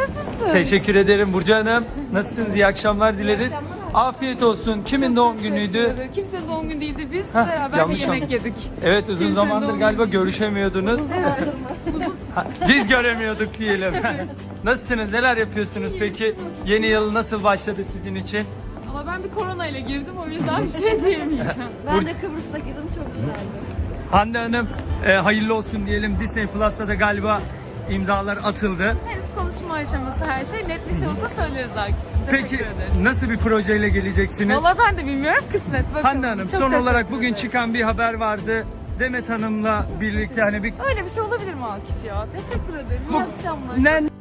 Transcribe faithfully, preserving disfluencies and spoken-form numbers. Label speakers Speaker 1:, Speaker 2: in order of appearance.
Speaker 1: Nasılsın?
Speaker 2: Teşekkür ederim Burcu Hanım. Nasılsınız? İyi akşamlar dileriz.
Speaker 1: İyi akşamlar.
Speaker 2: Afiyet olsun. Kimin
Speaker 1: Çok
Speaker 2: doğum
Speaker 1: teşekkür
Speaker 2: günüydü?
Speaker 1: ederim. Kimsenin doğum günü değildi. Biz
Speaker 2: Heh,
Speaker 1: beraber bir
Speaker 2: yanlış
Speaker 1: yemek
Speaker 2: anladım.
Speaker 1: yedik.
Speaker 2: Evet, uzun
Speaker 1: Kimsenin
Speaker 2: zamandır
Speaker 1: doğum
Speaker 2: galiba
Speaker 1: günü.
Speaker 2: görüşemiyordunuz. Ha, Biz göremiyorduk diyelim. Nasılsınız? Neler yapıyorsunuz peki? Yeni yıl nasıl başladı sizin için?
Speaker 1: Ama ben bir korona ile girdim, o yüzden bir şey diyemeyeceğim.
Speaker 3: Ben de Kıbrıs'taydım, çok güzeldi.
Speaker 2: Hande Hanım, e, hayırlı olsun diyelim. Disney Plus'ta da galiba imzalar atıldı.
Speaker 1: Henüz konuşma aşaması her şey. Net bir şey olsa söyleriz Akif'cim.
Speaker 2: Peki
Speaker 1: Teşekkür ederiz.
Speaker 2: nasıl bir projeyle geleceksiniz?
Speaker 1: Valla ben de bilmiyorum, kısmet bakalım.
Speaker 2: Hande Hanım,
Speaker 1: Çok
Speaker 2: son olarak
Speaker 1: teşekkür
Speaker 2: bugün
Speaker 1: ederim.
Speaker 2: çıkan bir haber vardı. Demet Hanım'la birlikte hani bir
Speaker 1: Öyle bir şey olabilir mi Akif ya? Teşekkür ederim. İyi
Speaker 2: Bu-
Speaker 1: akşamlar.
Speaker 2: ne